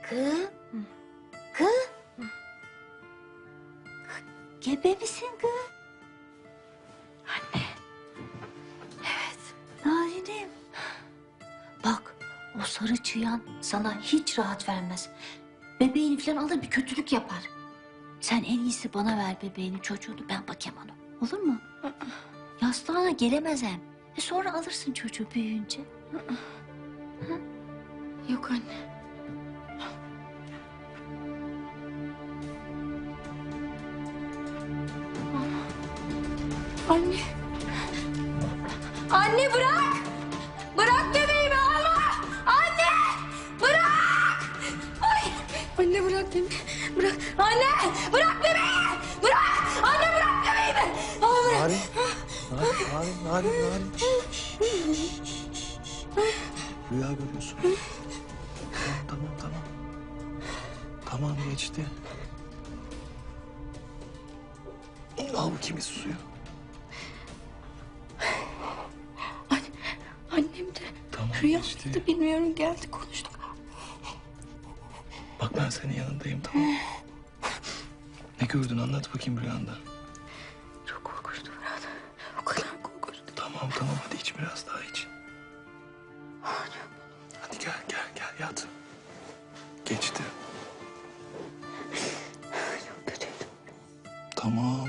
Kız. Kız. Gebe misin kız? Anne. Evet. Narinim. Bak o sarı çıyan sana hiç rahat vermez. Bebeğini falan alır bir kötülük yapar. Sen en iyisi bana ver bebeğini çocuğunu ben bakayım ona. Olur mu? Yastığına gelemez hem. Sonra alırsın çocuğu büyüyünce. Yok anne. Anne. Anne bırak. Bırak bebeğimi alma. Anne. Bırak. Ay. Anne bırak beni. Bırak. Anne. Bırak bebeği. Bırak. Anne bırak bebeğimi. Ama bırak. Narin. Rüya görüyorsun. Tamam. Tamam geçti. Al bakayım bir suyu. Annem de Tamam rüyamda geçti. bilmiyorum geldi konuştuk. Bak ben senin yanındayım tamam mı? Ne gördün anlat bakayım rüyanda. Çok korkunçtu Fırat. O kadar korkunçtu. Tamam hadi iç biraz daha iç. Hadi gel yat. Geçti. Çok kötüydü. Tamam.